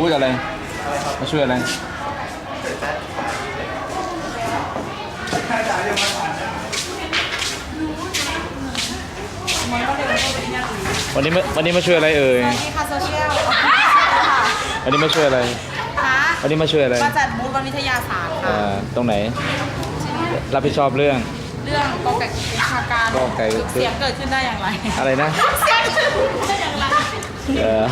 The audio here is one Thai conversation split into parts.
บูธอะไรมาช่วยอะไรวันนี้มาช่วยอะไรเอ่ยสวัสดีค่ะโซเชียลวันนี้มาช่วยอะไรค่ะวันนี้มาช่วยอะไรมาจัดบูธวันวิทยาศาสตร์ค่ะตรงไหนรับผิดชอบเรื่องเรื่องกอไก่วิชาการกอไก่เสียงเกิดขึ้นได้อย่างไรอะไรนะเสียงเกิดขึ้นได้อย่างไรเออ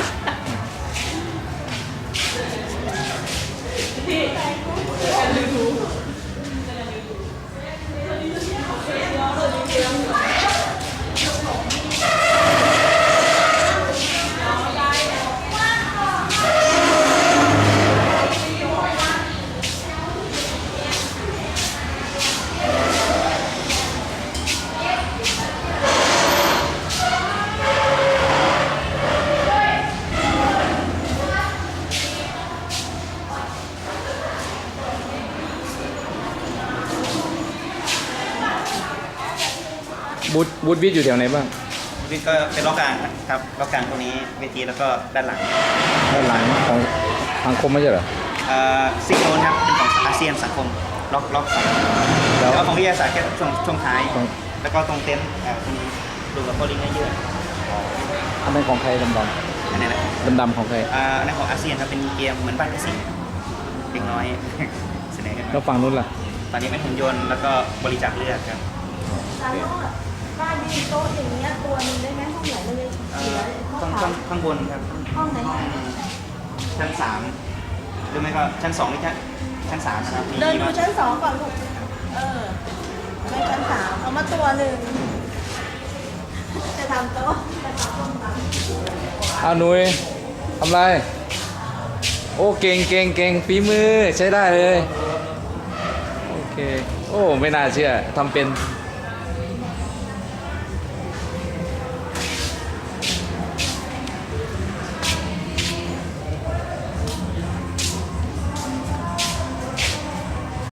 บูธวิทย์อยู่แถวไหนบ้างนี่ก็เป็นล็อกกลางครับล็อกกลางตรงนี้เวทีแล้วก็ด้านหลังด้านหลังของทางคมไม่ใช่เหรอซิงโนนครับเป็นของอาเซียนสังคมล็อกสองแล้แล้ว วของวิทยาศาสตร์แค่ช่วงท้ายของแล้วก็ตรงเต็นท์ตรงนี้ดูกับโพลิงเยอะอันนั้นของใครดำอันนี้แหละดำของใครอันนั้นของอาเซียนครับเป็นเกมเหมือนบ้านกสิเด็กน้อย เสนอกันแล้วฝั่งนู้นล่ะตอนนี้เป็นหุ่นยนต์แล้วก็บริจาคเลือดครับบ้านมีโต๊ะอย่างเงี้ยตัวหนึงได้ไหมห้องไหนมันเลยเหลือห้องข้างบนครับห้องไหนชั้น3หรือไม่ก็ชั้น2หรือชั้น3นะครับมีเดินดูมาชั้นสองก่อนลูกไม่ชั้นสามเอามาตัวหนึ่งจะทำโต๊ะจะทำห้องน้ำเอาหนุยทำไร โอ้เก่งฝีมือใช้ได้เลย โอเค โอ้ไม่น่าเชื่อทำเป็น